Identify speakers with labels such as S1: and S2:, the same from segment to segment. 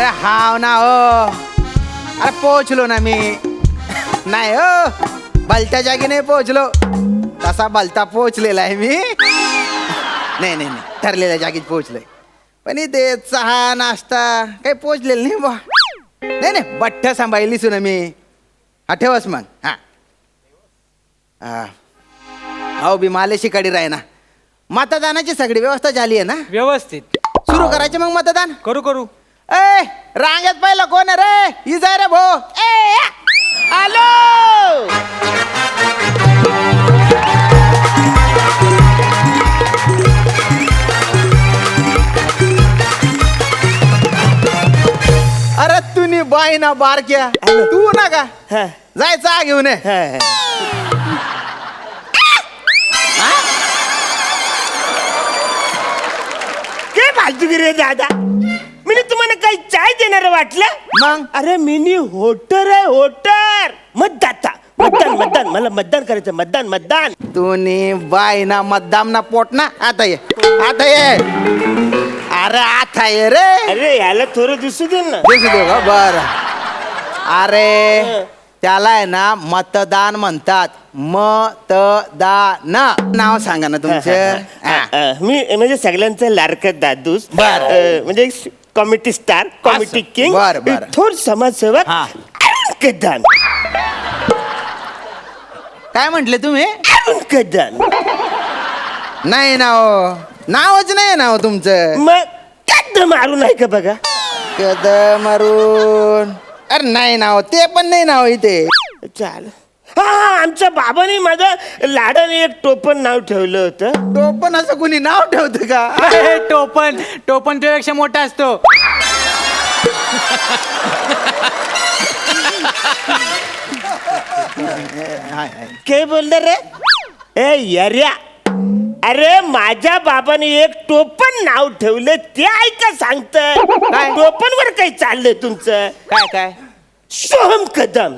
S1: अरे हाव ना हो. अरे पोहोचलो ना मी. नाही हो, भलत्या जागी नाही पोहोचलो. तसा भलता पोहोचलेला आहे मी. नाही नाही नाही, ठरलेल्या जागीच पोहोचलोय. पण इथे चहा नाश्ता काही पोहोचलेलं नाही बा. नाही नाही, बठ्ठ सांभाळलीच ना मी. हा ठेवस मग. हा हो बी मालेशी कडे राही ना. मतदानाची सगळी व्यवस्था झाली आहे ना?
S2: व्यवस्थित
S1: सुरू करायचे मग मतदान.
S2: करू.
S1: ए रांगेत पहिलं कोण आहे रे? इजा रे भो. ए आलो. अरे तुम्ही बाई ना बारक्या तू ना का जायचा घेऊन ये.
S3: काय फालतूगिरी रे दादा. मी तुम्हाला काही चाय देणार वाटलं
S1: मग
S3: अरे मिनी होटर आहे होटर. मतदाता मतदान मला मतदान करायचं. मतदान
S1: तुम्ही बाई ना मतदाम ना पोट ना. आता ये आता ये. अरे आता ये रे.
S3: अरे याला थोडं दिसू दे ना.
S1: दिसू दे का? बर. अरे त्याला आहे ना मतदान म्हणतात. मतदान नाव सांगा ना तुमचं.
S3: मी म्हणजे सगळ्यांचं लाडकं दादूस.
S1: बर.
S3: म्हणजे कॉमेडी स्टार कॉमेडी किंग
S1: बर.
S3: थोर समाजसेवक
S1: हा.
S3: कदान.
S1: काय म्हंटले तुम्ही?
S3: कदान
S1: नाही ना हो, नावच नाही ना हो तुमचं.
S3: मग कद मारू नाही का बघा.
S1: कदम मारून. अरे नाही ना हो, ते पण नाही ना हो इथे.
S3: चाल. हा आमच्या बाबाने माझं लाडाने एक टोपण नाव ठेवलं होतं.
S1: तो पण असं कोणी नाव ठेवतं का?
S2: अरे, टोपण तुझ्यापेक्षा मोठा असतो.
S3: काय बोललं रे? ए यर्या. अरे माझ्या बाबाने एक टोपण नाव ठेवलं ते ऐका सांगतंय. टोपण वर काही चाललंय तुमचं?
S1: काय
S3: सोहम कदम.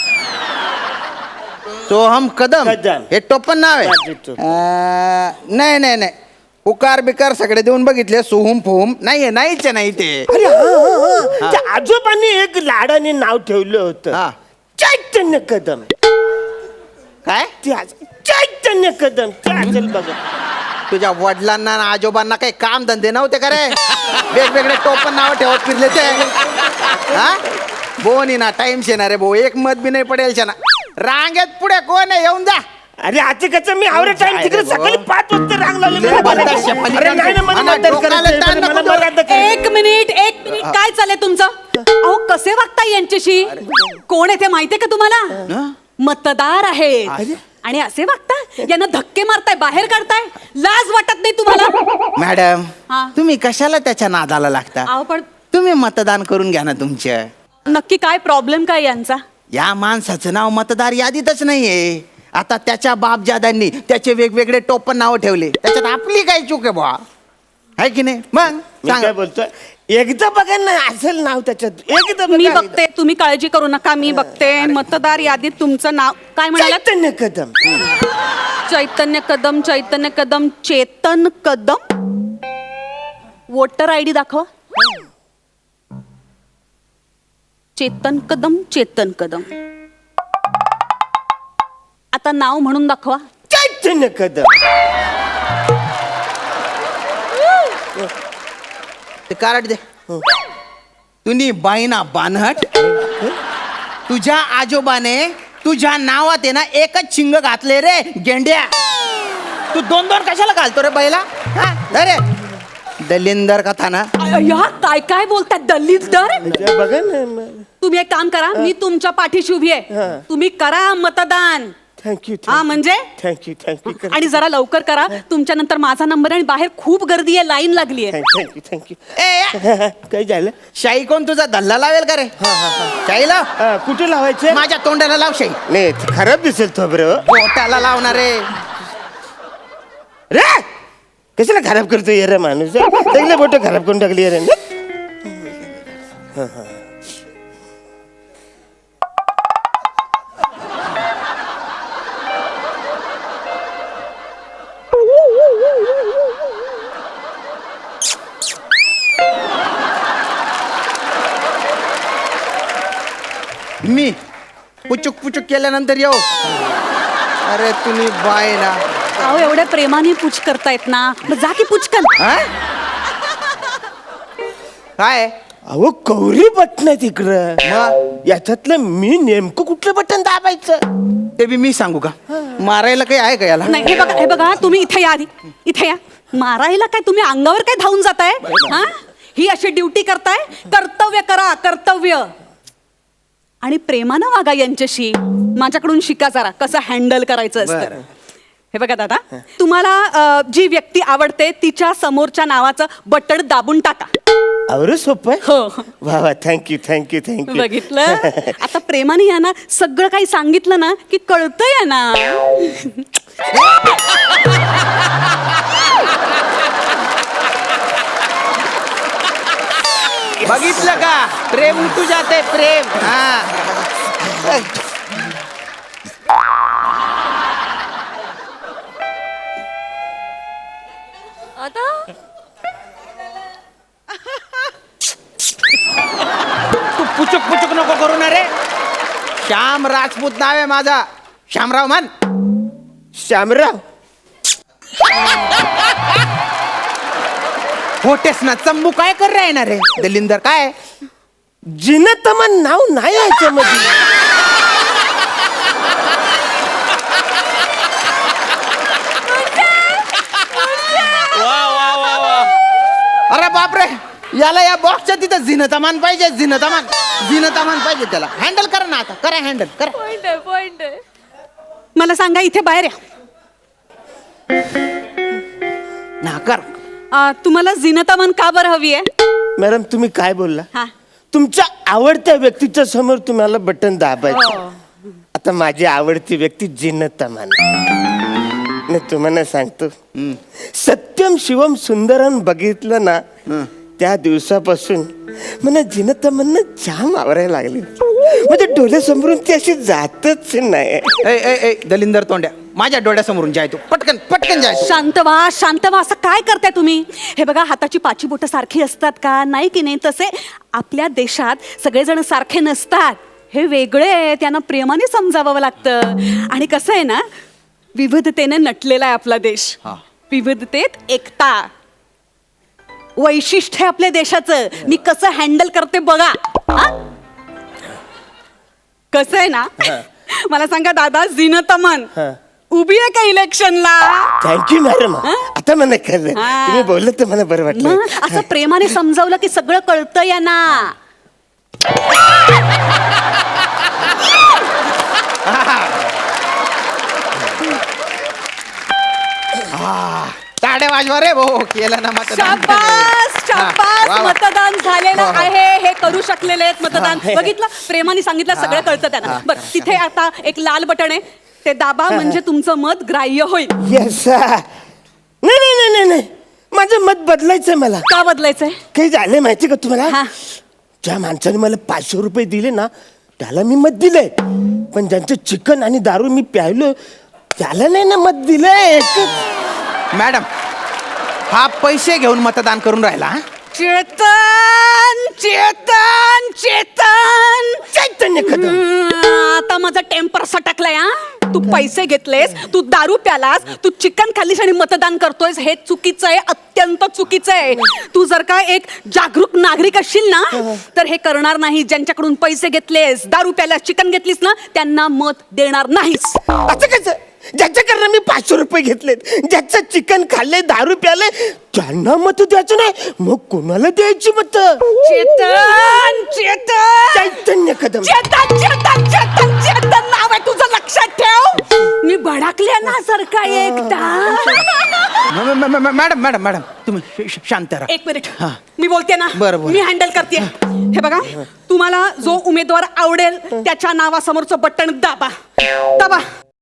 S1: सोहम कदम.
S3: कदम.
S1: हे टोपण नाव आहे. नाही नाही नाही, उकार बिकार सगळे देऊन बघितले. सोहम फोहम नाहीये. नाहीच नाही ते.
S3: अरे हा. त्या आजोबांनी एक लाडाने नाव ठेवलं होतं.
S1: हा.
S3: चैतन्य कदम.
S1: काय?
S3: चैतन्य कदम ते असेल बघा.
S1: तुझ्या वडिलांना आणि आजोबांना काही काम धंदे नव्हते का रे? वेगवेगळे टोपण नाव ठेवत फिरले ते. हा बोनी ना टाइम शेना रे भाऊ. एक मत बी नाही पडेल ना. रांगेत पुढे कोण आहे? येऊन जा.
S3: अरे आता कसं मी आवडत टाइम तिकडे सकाळी 5 वाजता रांग लावली.
S1: लय बदमाश आहे,
S3: अरे नाही ना, मला मतदान करायचंय. मला मतदान करायचंय.
S4: एक मिनिट काय चाललंय तुमचं? अहो कसे वागताय यांच्याशी? कोण आहे ते माहितीये का तुम्हाला? मतदार आहे. आणि असे वागताय, यांना धक्के मारताय, बाहेर काढताय. लाज वाटत नाही तुम्हाला?
S1: मॅडम
S4: हा.
S1: तुम्ही कशाला त्याच्या नादाला लागता?
S4: अहो पण
S1: तुम्ही मतदान करून घ्या ना तुमच्या.
S4: नक्की काय प्रॉब्लेम काय यांचा?
S1: या माणसाचं नाव मतदार यादीतच नाहीये. आता त्याच्या बापजादांनी त्याचे वेगवेगळे टोपण नाव ठेवले. त्याच्यात आपली काय चूक आहे बुवा? आहे की नाही? मग
S3: मी काय बोलतोय, एकदा बघा ना असेल नाव त्याच्यात. एकदा
S4: मी
S3: बघा.
S4: बघते, तुम्ही काळजी करू नका. मी बघते. मतदार यादीत तुमचं नाव काय म्हणाला?
S3: चैतन्य कदम.
S4: चैतन्य कदम. चैतन्य कदम. चेतन कदम. वोटर आयडी दाखव. चेतन कदम. चेतन कदम. आता नाव म्हणून दाखवा.
S3: चैतन्य कदम.
S1: ते कार्ड दे. तुम्ही बाईना बानहट. तुझ्या आजोबाने तुझ्या नावात आहे ना एकच शिंग घातले रे गेंड्या. तू 2-2 कशाला घालतो रे बैला? अरे दलिंदर कथा ना.
S4: या काय बोलताय? दलितदर.
S3: बघा ना.
S4: तुम्ही एक काम करा, मी तुमच्या पाठीशी उभी आहे. तुम्ही करा मतदान.
S3: थँक्यू.
S4: हा म्हणजे
S3: थँक्यू.
S4: आणि जरा लवकर करा. तुमच्या नंतर माझा नंबर आहे आणि बाहेर खूप गर्दी आहे, लाईन लागली आहे.
S3: थँक्यू.
S1: ए
S3: काय झालं?
S1: शाई कोण तुझा धल्ला लावेल का रे? शाई लाव.
S3: कुठे लावायचे?
S1: माझ्या तोंडाला लाव शाई.
S3: नाही खराब दिसेल तो बरं.
S1: पोटाला लावणार रे.
S3: रे कशाला खराब करतो रे माणूस? सगळे बोट खराब करून टाकली रे.
S1: मी पुचुक पुचुक केल्यानंतर येऊ. अरे तुम्ही बाय ना.
S4: अहो एवढ्या प्रेमाने पूछ करतायत ना, मग जा की पुचकन.
S1: हा? काय
S3: अहो कौरी बटन तिकडं.
S1: मग
S3: याच्यातलं मी नेमकं कुठलं बटन दाबायचं?
S1: ते बी मी सांगू का? मारायला काही आहे का याला?
S4: नाही हे बघा तुम्ही इथे या आधी, इथे या. मारायला काय तुम्ही अंगावर काय धावून जाताय? हा, ही अशी ड्युटी करताय. कर्तव्य करा, कर्तव्य. आणि प्रेमानं वागा यांच्याशी. माझ्याकडून शिका जरा कसं हँडल करायचं असतं.
S1: बरं.
S4: हे बघा दादा, तुम्हाला जी व्यक्ती आवडते तिच्या समोरच्या नावाचं बटण दाबून टाका.
S3: अरे सोपं आहे.
S4: हो,
S3: वा वा, थँक्यू थँक्यू थँक्यू.
S4: बघितलं. आता प्रेमाने या ना, सगळं काही सांगितलं ना की कळतंय ना.
S1: बघितलं का? प्रेम उठू जाते प्रेम. हा. तू पुचुक पुचुक नको करू ना रे. श्याम राजपूत नाव आहे माझा. श्यामराव मान.
S3: श्यामराव.
S1: होटेस ना चंबू काय कर रहा है ना रे दलिंदर काय?
S3: जिनतमन नाव नाही याच्यामध्ये.
S1: अरे बापरे, याला या बॉक्सच्या तिथं झिनतामान पाहिजे. झिनतामान पाहिजे त्याला. हँडल करा ना आता. करा हँडल करा.
S4: मला सांगा इथे बाहेर या.
S1: ना कर.
S4: तुम्हाला जिनतामान का बरं हवी आहे?
S3: मॅडम तुम्ही काय बोलला?
S4: हा.
S3: तुमच्या आवडत्या व्यक्तीच्या समोर तुम्हाला बटन दाबायचं. आता माझी आवडती व्यक्ती जिनतमान. मी तुम्हाला सांगतो, सत्यम शिवम सुंदरम बघितलं ना, त्या दिवसापासून मला जिनतमन जाम आवरायला लागली. म्हणजे डोळ्यासमोरून ती अशी जातच नाही.
S1: ए दलिंदर तोंड्या, माझ्या डोळ्यासमोरून जाय तू. पटकन पटकन जाय तू.
S4: शांत व्हा. असं काय करताय तुम्ही? हे बघा, हाताची पाची बोटं सारखी असतात का? नाही की नाही? तसे आपल्या देशात सगळेजण सारखे नसतात. हे वेगळे आहे, त्यांना प्रेमाने समजावं लागतं. आणि कसं आहे ना, विविधतेने नटलेला आहे आपला देश.
S1: हा.
S4: विविधतेत एकता वैशिष्ट्य आहे आपल्या देशाचं. मी कसं हँडल करते बघा. हा? कसं आहे ना, मला सांगा दादा, जिनतमन उभी आहे का इलेक्शनला?
S3: Thank you madam. आता मला कळलं.
S4: हा.
S3: तुम्ही बोललं तर मला बरं वाटलं.
S4: मग असं प्रेमाने समजावलं की सगळं कळतं या ना.
S1: टाळ्या वाजवा रे भाऊ. केलं ना मतदान.
S4: शाबास. मतदान झालेलं
S1: हो, हो.
S4: आहे. हे करू शकलेले आहेत मतदान.
S3: हा.
S4: बघितलं, प्रेमाने सांगितलं, सगळं कळतं त्यांना. बरं, तिथे आता एक लाल बटन आहे, ते दाबा. म्हणजे तुमचं मत ग्राह्य होईल.
S3: येस. नाही नाही नाही नाही नाही, माझं मत बदलायचंय मला.
S4: का बदलायचंय?
S3: काही झालंय माहिती का तुम्हाला?
S4: हा.
S3: ज्या माणसाने मला 500 रुपये दिले ना, त्याला मी मत दिलंय. पण ज्यांचं चिकन आणि दारू मी प्यायलो, त्याला नाही ना मत दिलंय.
S1: मॅडम, हा पैसे घेऊन मतदान करून राहिला. हा?
S4: चेतन चेतन चेतन
S3: चैतन्य कदम.
S4: आता माझा टेम्पर सटकलाय. हा, तू पैसे घेतलेस, तू दारू प्यालास, तू चिकन खाल्लीस आणि मतदान करतोयस. हे चुकीचं आहे, अत्यंत चुकीचं आहे. तू जर का एक जागरूक नागरिक असशील ना, तर हे करणार नाही. ज्यांच्याकडून पैसे घेतलेस, दारू प्यालास, चिकन घेतलीस ना, त्यांना मत देणार नाहीस.
S3: असं कसं? ज्याच्याकडनं मी 500 रुपये घेतलेत, ज्याचं चिकन खाल्ले, दारू प्याले, त्यांना मत द्यायचं नाही, मग कोणाला द्यायची मत?
S4: चेतन चेतन
S3: चैतन्य कदम.
S4: चेतन चेतन चेतन चेतन नाव आहे तुझं, लक्षात ठेव. मी भडकले ना सारखा एकदा.
S1: मॅडम मॅडम मॅडम तुम्ही शांत राहा.
S4: एक मिनिट, मी बोलते ना.
S1: बरं, बरं.
S4: मी हँडल करते. हे बघा, तुम्हाला जो उमेदवार आवडेल त्याच्या नावासमोरचं बटन दाबा. दाबा.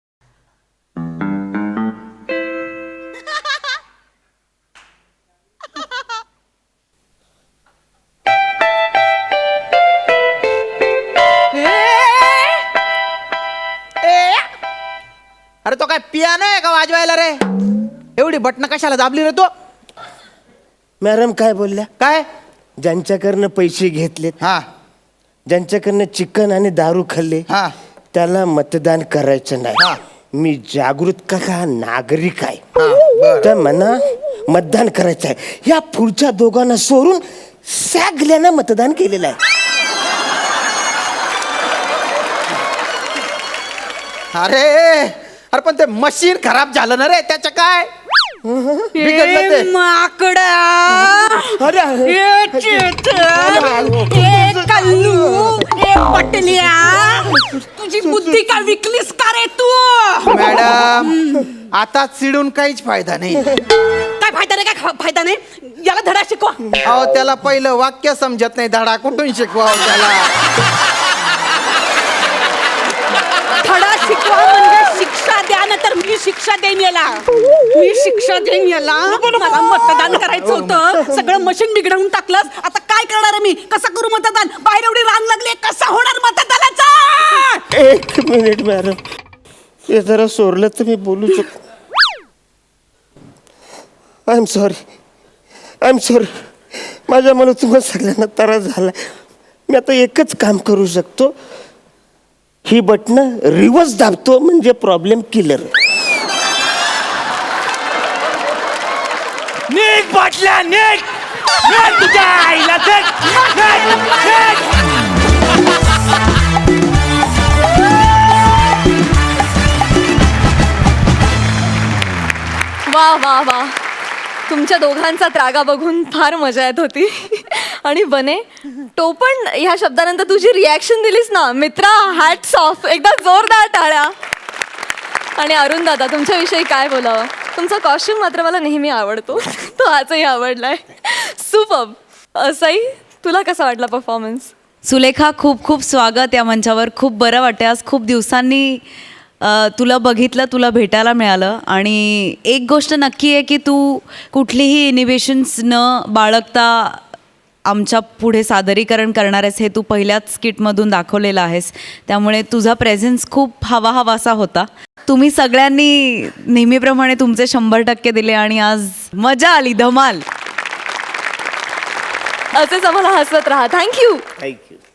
S1: अरे तो काय पियानो आहे का वाजवायला रे? एवढी बटणं कशाला दाबली रे तो?
S3: मॅडम काय बोलल्या?
S1: काय?
S3: ज्यांच्याकडनं पैसे घेतलेत
S1: हा
S3: ज्यांच्याकडनं चिकन आणि दारू खाल्ले
S1: हा.
S3: त्याला मतदान करायचं
S1: हा.
S3: नाही. मी जागृत का नागरिक आहे,
S1: बरं.
S3: तर मला मतदान करायचं आहे. या पुढच्या दोघांना सोडून सगळ्यांना मतदान केलेलं आहे.
S1: अरे अरे पण ते मशीन खराब झालं ना रे, त्याचं काय बिघडलं ते.
S4: माकडा
S3: अरे
S4: ए चेतन, ए कल्लू, ए पटल्या, तुझी बुद्धी का विकलीस का रे तू?
S1: मॅडम आता चिडून काहीच फायदा नाही.
S4: काय फायदा नाही, काय फायदा नाही. याला धडा शिकवा.
S1: अहो त्याला पहिलं वाक्य समजत नाही, धडा कुठून शिकवावं त्याला.
S4: धडा शिकवा म्हणजे शिक्षा द्या ना, तर मी शिक्षा देईन याला. मी शिक्षा देईन याला. मला मतदान करायचं होतं, सगळं मशीन बिघडवून टाकलंस. आता काय करणार आहे मी? कसं करू मतदान? बाहेर एवढी रांग लागली, कसा होणार मतदानाचा?
S3: एक मिनिट मॅडम, हे जरा सोडलं तर मी बोलू शकतो. I am sorry. माझ्यामुळे तुम्हाला सगळ्यांना त्रास झाला. मी आता एकच काम करू शकतो, ही बटणं रिव्हर्स दाबतो म्हणजे प्रॉब्लेम क्लिअर.
S2: नीट बाटल्या नीट नीट तुझ्या आईला नीट, नीट, नीट.
S5: वा वा वा, तुमच्या दोघांचा त्रागा बघून फार मजा येत होती. आणि बने, टोपण ह्या शब्दानंतर तुझी रिॲक्शन दिलीस ना मित्रा, हॅट्स ऑफ. एकदा जोरदार टाळ्या. आणि अरुण दादा, तुमच्याविषयी काय बोलावं. तुमचा कॉस्ट्युम मात्र मला नेहमी आवडतो. तो आजही आवडलाय. सुपर्ब. असंही तुला कसा वाटला परफॉर्मन्स?
S6: सुलेखा, खूप खूप स्वागत या मंचावर. खूप बरं वाटतं, आज खूप दिवसांनी तुला बघितलं, तुला भेटायला मिळालं. आणि एक गोष्ट नक्की आहे की तू कुठलीही इनिबिशन्स न बाळगता आमच्या पुढे सादरीकरण करणार आहेस, हे तू पहिल्याच स्किटमधून दाखवलेलं आहेस. त्यामुळे तुझा प्रेझेन्स खूप हवाहवासा होता. तुम्ही सगळ्यांनी नेहमीप्रमाणे तुमचे 100% दिले आणि आज मजा आली, धमाल.
S5: असेच आम्हाला हसवत राहा. थँक्यू.
S3: थँक्यू.